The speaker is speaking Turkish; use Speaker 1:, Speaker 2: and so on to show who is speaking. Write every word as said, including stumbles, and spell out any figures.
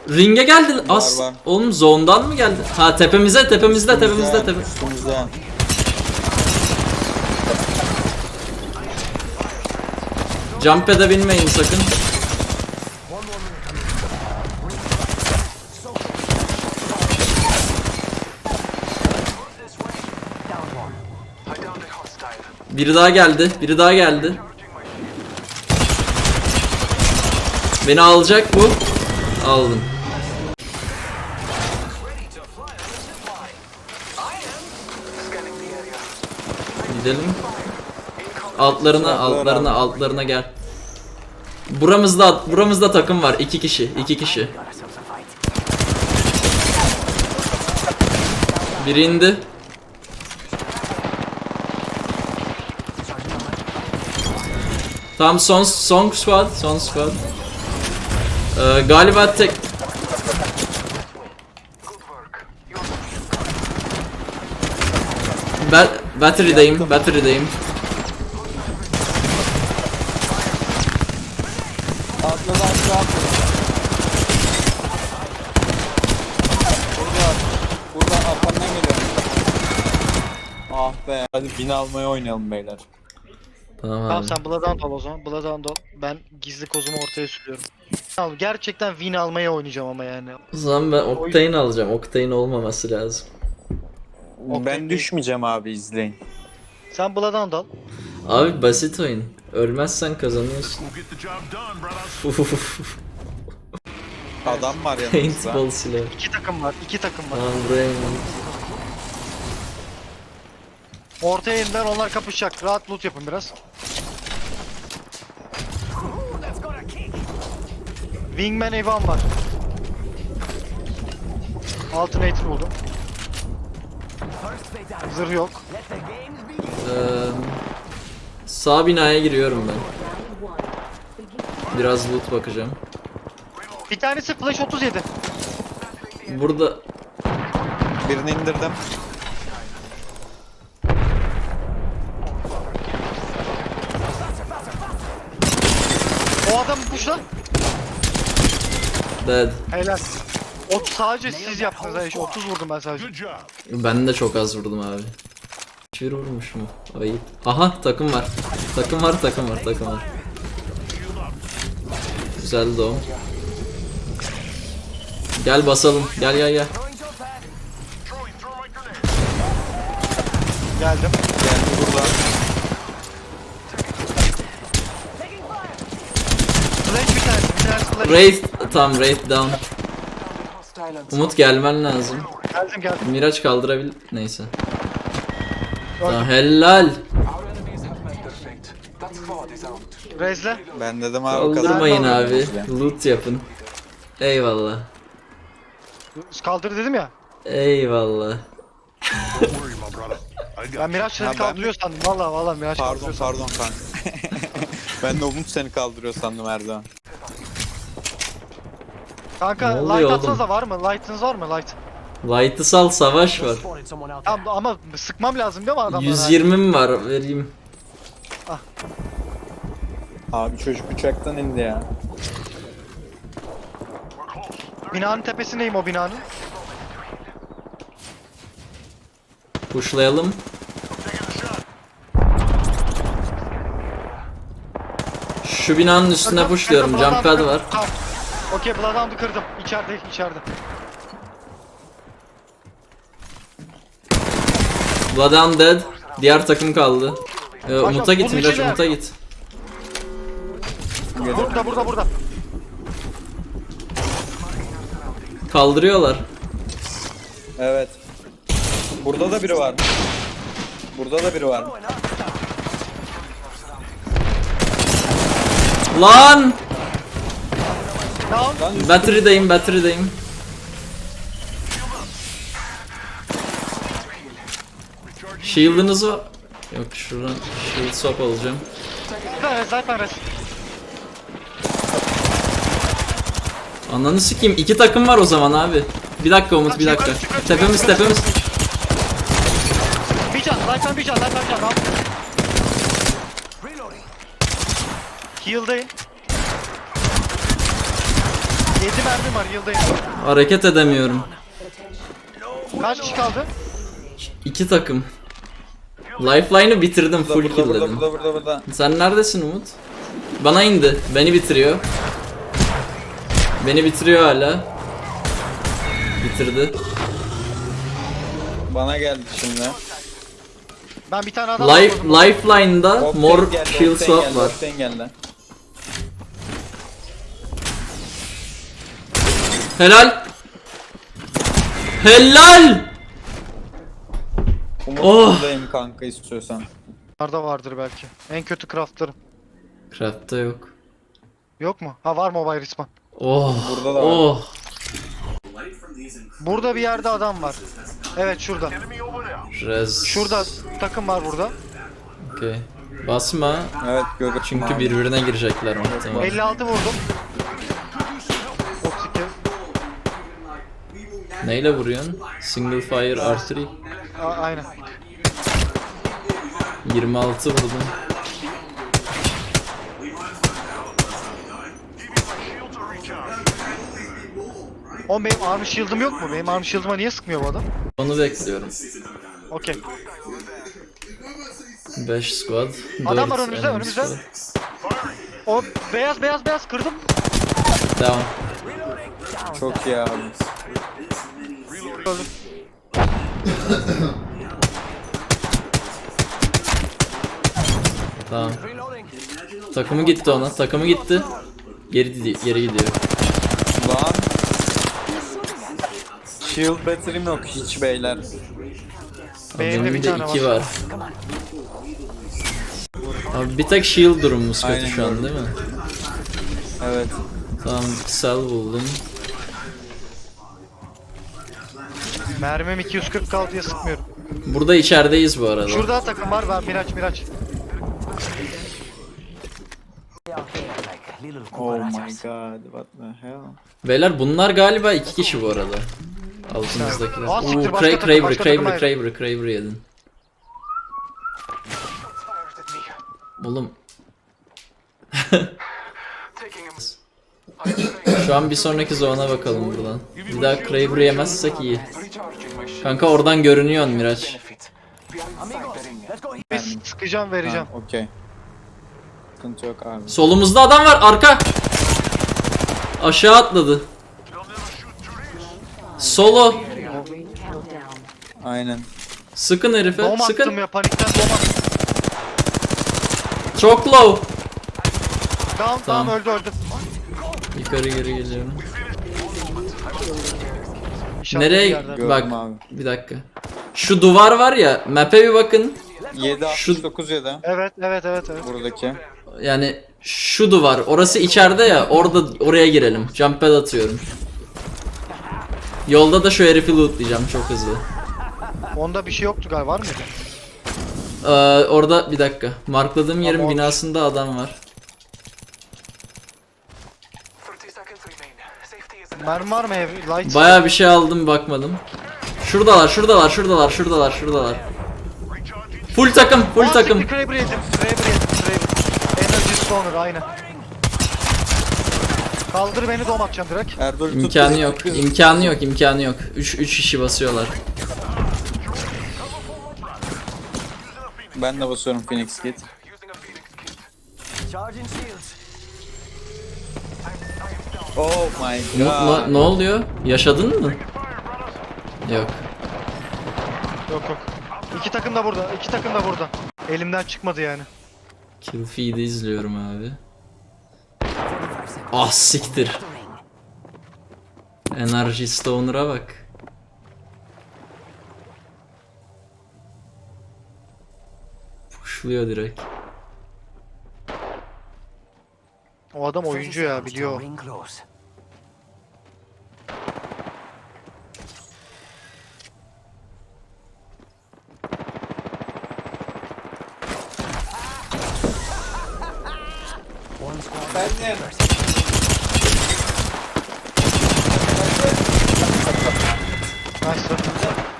Speaker 1: Ring'e geldi. As.
Speaker 2: Var, var.
Speaker 1: Oğlum zone'dan mı geldi? Ha tepemize tepemizde tepemizde tepe.
Speaker 2: Üstümüzde.
Speaker 1: Jump pad'e binmeyin sakın. Biri daha geldi. Biri daha geldi. Beni alacak bu. Aldım. Gidelim. Altlarına, altlarına, altlarına gel. Buramızda, buramızda takım var. İki kişi, iki kişi. Biri indi. Tamam son son squad, son squad. Ee, galiba tek. Ben battery'deyim, battery'deyim.
Speaker 2: Atladı aşağı atladı. Burada. Buradan arkamdan geliyorum. Ah be. Hadi bin almaya oynayalım beyler.
Speaker 1: Tamam
Speaker 3: Tamam
Speaker 1: abi.
Speaker 3: sen Bloodhound al o zaman. Bloodhound al. Ben gizli kozumu ortaya sürüyorum. Tamam gerçekten win almaya oynayacağım ama yani.
Speaker 1: O zaman ben Octane alacağım. Octane olmaması lazım.
Speaker 3: Okey,
Speaker 2: Ben
Speaker 3: iyi.
Speaker 2: düşmeyeceğim abi, izleyin.
Speaker 3: Sen Bloodhound al.
Speaker 1: Abi basit oyun. Ölmezsen kazanıyorsun.
Speaker 2: Adam var yanımızda.
Speaker 1: Paintball silah.
Speaker 3: İki takım var. iki takım var.
Speaker 1: Tamam buraya in.
Speaker 3: Ortaya indiler onlar kapışacak. Rahat loot yapın biraz. Wingman Evan var. Alternator buldum. Zırh yok.
Speaker 1: Ee, sağ binaya giriyorum ben. Biraz loot bakacağım.
Speaker 3: Bir tanesi flash otuz yedi.
Speaker 1: Burada
Speaker 2: Birini indirdim.
Speaker 3: O adam puşla.
Speaker 1: dead.
Speaker 3: Helal. O sadece siz yaptınız ha iş. otuz vurdum ben sadece.
Speaker 1: Ben de çok az vurdum abi. Hiçbir vurmuş mu? Ayıp. Aha takım var. Takım var takım var takım var. Güzeldi o. Gel basalım. Gel gel gel.
Speaker 3: Geldim.
Speaker 2: Geldi burada.
Speaker 3: Flash bir tanesi. Bir tanesi flash.
Speaker 1: Wraith tam Wraith down. Umut gelmen lazım.
Speaker 3: Geldim geldim.
Speaker 1: Miraç kaldırabil... Neyse. Tamam, helal.
Speaker 3: Rezle.
Speaker 2: Ben dedim abi
Speaker 1: Kaldırmayın
Speaker 2: kazandım.
Speaker 1: abi. Loot yapın. Eyvallah.
Speaker 3: Kaldır dedim ya.
Speaker 1: Eyvallah.
Speaker 3: Ben Miraç
Speaker 2: Ha,
Speaker 3: seni
Speaker 2: ben
Speaker 3: kaldırıyor sandım. Valla valla Miraç
Speaker 2: Pardon
Speaker 3: kaldırıyor sandım.
Speaker 2: pardon kanka. Ben de Umut seni kaldırıyor sandım Erdoğan.
Speaker 3: Kanka
Speaker 1: Ne oluyor
Speaker 3: light
Speaker 1: oğlum?
Speaker 3: atsanıza var mı? Light'ınız var mı? Light.
Speaker 1: Light'ı sal savaş var.
Speaker 3: Tamam ama sıkmam lazım değil mi adamlara?
Speaker 1: yüz yirmi mi var vereyim.
Speaker 2: Abi çocuk uçaktan indi ya.
Speaker 3: Binanın tepesindeyim o binanın.
Speaker 1: Pushlayalım. Şu binanın üstüne
Speaker 3: Kırdım,
Speaker 1: pushluyorum.
Speaker 3: kırdım,
Speaker 1: Jump
Speaker 3: Bloodhound'u
Speaker 1: pad var.
Speaker 3: kırdım. Tamam. Okey Bloodhound'u kırdım. İçeride içeride.
Speaker 1: Bloodhound dead. Diğer takım kaldı. Ee, Umut'a git
Speaker 3: bunun
Speaker 1: Miraç,
Speaker 3: içine-
Speaker 1: Umut'a git.
Speaker 3: Burada burada burada.
Speaker 1: Kaldırıyorlar.
Speaker 2: Evet. Burada da biri var. Burada da biri var.
Speaker 1: Lan!
Speaker 3: Down.
Speaker 2: Lan üst-
Speaker 1: Battery'deyim, battery'deyim. Shield'ınız var. Yok şuradan shield swap alacağım.
Speaker 3: Zaten res zaten res.
Speaker 1: Ananı sikeyim. İki takım var o zaman abi. Bir dakika Umut, bir dakika. Tepemiz tepemiz.
Speaker 3: Bir can. Light'tan bir can. Light'tan bir can. Tamam. Heal'dayım. yedi mermim var, yıldayım.
Speaker 1: Hareket edemiyorum.
Speaker 3: Kaç kişi kaldı?
Speaker 1: İki takım. Lifeline'ı bitirdim,
Speaker 2: Burada
Speaker 1: full
Speaker 2: burada burada
Speaker 1: kill'ledim.
Speaker 2: burada burada burada.
Speaker 1: Sen neredesin Umut? Bana indi. Beni bitiriyor. Beni bitiriyor hala. Bitirdi.
Speaker 2: Bana geldi şimdi.
Speaker 3: Ben bir tane adam
Speaker 1: Life,
Speaker 3: vurdum.
Speaker 1: Lifeline'da
Speaker 2: Octane
Speaker 1: mor
Speaker 2: geldi,
Speaker 1: shield
Speaker 2: Octane
Speaker 1: swap
Speaker 2: geldi,
Speaker 1: var.
Speaker 2: Octane geldi.
Speaker 1: Helal. Helal.
Speaker 2: Umut
Speaker 1: Oh.
Speaker 2: buradayım kanka istiyorsan.
Speaker 3: Nerede vardır belki. En kötü craftlarım.
Speaker 1: Craft'ta yok.
Speaker 3: Yok mu? Ha var mobile respawn.
Speaker 1: Oh.
Speaker 2: Burada da var.
Speaker 1: Oh.
Speaker 3: Burada bir yerde adam var. Evet şurada.
Speaker 1: Rez.
Speaker 3: Şurada takım var burada.
Speaker 1: Okey. Basma.
Speaker 2: Evet görüyorum.
Speaker 1: Çünkü birbirine girecekler muhtemelen.
Speaker 3: elli altı vurdum. otuz iki.
Speaker 1: Neyle vuruyorsun? Single fire archery.
Speaker 3: A- aynen.
Speaker 1: yirmi altı vurdum.
Speaker 3: O benim armor shield'ım yok mu? Benim armor shield'ıma niye sıkmıyor bu adam?
Speaker 1: Onu bekliyorum.
Speaker 3: Okey.
Speaker 1: beş squad.
Speaker 3: Adam var
Speaker 1: dört
Speaker 3: önümüzde,
Speaker 1: enemy
Speaker 3: önümüzde.
Speaker 1: squad.
Speaker 3: O beyaz beyaz beyaz kırdım.
Speaker 1: Devam.
Speaker 2: Çok iyi abi.
Speaker 3: Öldüm.
Speaker 1: Tamam. Takımı gitti ona. Takımı gitti. Geri gidi- geri gidiyor.
Speaker 2: Lan. Shield battery'm yok hiç beyler.
Speaker 3: Benim de
Speaker 1: Benim
Speaker 3: bir
Speaker 1: de
Speaker 3: tane
Speaker 1: iki
Speaker 3: var.
Speaker 1: var. Abi bir tek shield durumumuz kötü
Speaker 2: Aynen
Speaker 1: şu an
Speaker 2: gördüm.
Speaker 1: değil mi?
Speaker 2: Evet.
Speaker 1: Tamam, cell buldum.
Speaker 3: Mermim iki yüz kırk kaldı diye sıkmıyorum.
Speaker 1: Burada içerideyiz bu arada.
Speaker 3: Şurada takım var. Ben Miraç Miraç.
Speaker 2: Oh my god, what the hell?
Speaker 1: Beyler bunlar galiba iki kişi bu arada. Altımızdakiler.
Speaker 3: Aa, siktir,
Speaker 1: Uuu,
Speaker 3: başka
Speaker 1: Cra-
Speaker 3: takım,
Speaker 1: Kraber,
Speaker 3: başka takım
Speaker 1: Kraber,
Speaker 3: ayrı.
Speaker 1: Kraber, Kraber yedin. Oğlum. Şu an bir sonraki zone'a bakalım buradan. Bir daha Kraber'ı yemezsek iyi. Kanka oradan görünüyor Miraç.
Speaker 3: Biz sıkacağım vereceğim.
Speaker 2: Ha, okey. Sıkıntı yok abi.
Speaker 1: Solumuzda adam var, arka. Aşağı atladı. Solo.
Speaker 2: Aynen.
Speaker 1: Sıkın herife,
Speaker 3: Dom attım
Speaker 1: sıkın.
Speaker 3: ya panikten dom attım.
Speaker 1: Çok low.
Speaker 3: Down
Speaker 1: Tamam.
Speaker 3: tamam öldü öldü.
Speaker 1: Yukarı geri geliyorum.
Speaker 3: İnşallah bir
Speaker 1: Nereye?
Speaker 3: yerden.
Speaker 2: Gördüm
Speaker 1: Bak,
Speaker 2: abi.
Speaker 1: bir dakika. Şu duvar var ya, map'e bir bakın.
Speaker 2: yedi altmış dokuz ya da
Speaker 3: Evet evet evet evet.
Speaker 2: buradaki.
Speaker 1: Yani şu duvar, orası içeride ya, orada oraya girelim. Jump pad atıyorum. Yolda da şu herifi lootlayacağım çok hızlı.
Speaker 3: Onda bir şey yoktu galiba, var mıydı?
Speaker 1: Ee, orada bir dakika. Markladığım yerin
Speaker 3: Tamam.
Speaker 1: binasında adam var.
Speaker 3: Mermi var mı ev? Light.
Speaker 1: Bayağı bir şey aldım, bakmadım. Şuradalar, şuradalar, şuradalar, şuradalar, şuradalar. Full takım, full
Speaker 3: Aa,
Speaker 1: takım.
Speaker 3: siktir, Kraber yedim. Kraber yedim. Kraber. Energy Stoner aynen. Kaldır beni dom atacağım direkt.
Speaker 2: Erdoğan tut.
Speaker 1: İmkanı yok, imkanı yok, imkanı yok. üç üç kişi basıyorlar.
Speaker 2: Ben de basıyorum Phoenix Kit. Oh my
Speaker 1: Umut,
Speaker 2: god.
Speaker 1: ne, ne oluyor? Yaşadın mı? Yok.
Speaker 3: Yok yok. İki takım da burada. İki takım da burada. Elimden çıkmadı yani.
Speaker 1: Kill feed'i izliyorum abi. Ah siktir. Energy Stoner'a bak. Pushluyor direkt.
Speaker 3: O adam oyuncu ya, biliyor. Nice.